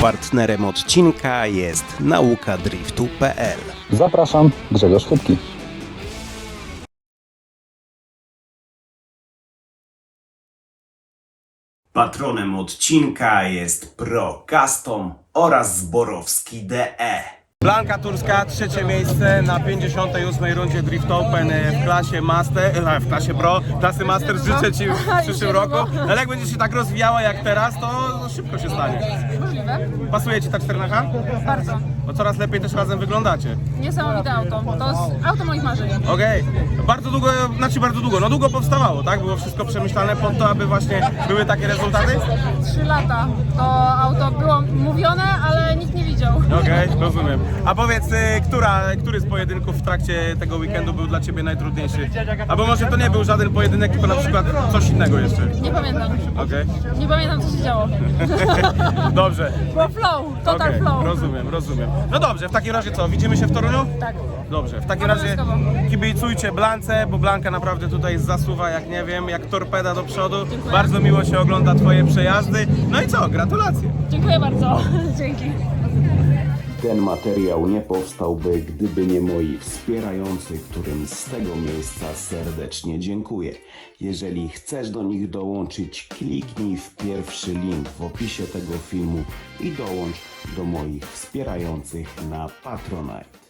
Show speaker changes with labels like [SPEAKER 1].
[SPEAKER 1] Partnerem odcinka jest naukadriftu.pl.
[SPEAKER 2] Zapraszam, Grzegorz Chybki.
[SPEAKER 1] Patronem odcinka jest Pro Custom oraz Zborowski DE. Blanka Turska, trzecie miejsce na 58. rundzie Drift Open w klasie Master, w klasie Pro, klasy Master. Życzę Ci w przyszłym roku. Ale jak będziesz się tak rozwijała jak teraz, to szybko się stanie.
[SPEAKER 3] Możliwe.
[SPEAKER 1] Pasuje Ci ta 4.5?
[SPEAKER 3] Bardzo.
[SPEAKER 1] Bo coraz lepiej też razem wyglądacie.
[SPEAKER 3] Niesamowite auto. To jest auto moich marzeń.
[SPEAKER 1] Okej. Bardzo długo, no długo powstawało, tak? Było wszystko przemyślane po to, aby właśnie były takie rezultaty?
[SPEAKER 3] 3 lata. To auto było mówione, ale nikt nie widział.
[SPEAKER 1] Okej, rozumiem. A powiedz, który z pojedynków w trakcie tego weekendu był dla Ciebie najtrudniejszy? Albo może to nie był żaden pojedynek, tylko na przykład coś innego jeszcze.
[SPEAKER 3] Nie pamiętam.
[SPEAKER 1] Okej.
[SPEAKER 3] Nie pamiętam, co się działo.
[SPEAKER 1] Dobrze.
[SPEAKER 3] Było flow. Total
[SPEAKER 1] Okej,
[SPEAKER 3] flow.
[SPEAKER 1] rozumiem. No dobrze, w takim razie co, widzimy się w Toruniu?
[SPEAKER 3] Tak.
[SPEAKER 1] Dobrze, w takim razie kibicujcie Blance, bo Blanka naprawdę tutaj zasuwa jak nie wiem, jak torpeda do przodu.
[SPEAKER 3] Dziękuję.
[SPEAKER 1] Bardzo miło się ogląda Twoje przejazdy. No i co, gratulacje.
[SPEAKER 3] Dziękuję bardzo. Dzięki.
[SPEAKER 1] Ten materiał nie powstałby, gdyby nie moi wspierający, którym z tego miejsca serdecznie dziękuję. Jeżeli chcesz do nich dołączyć, kliknij w pierwszy link w opisie tego filmu i dołącz do moich wspierających na Patronite.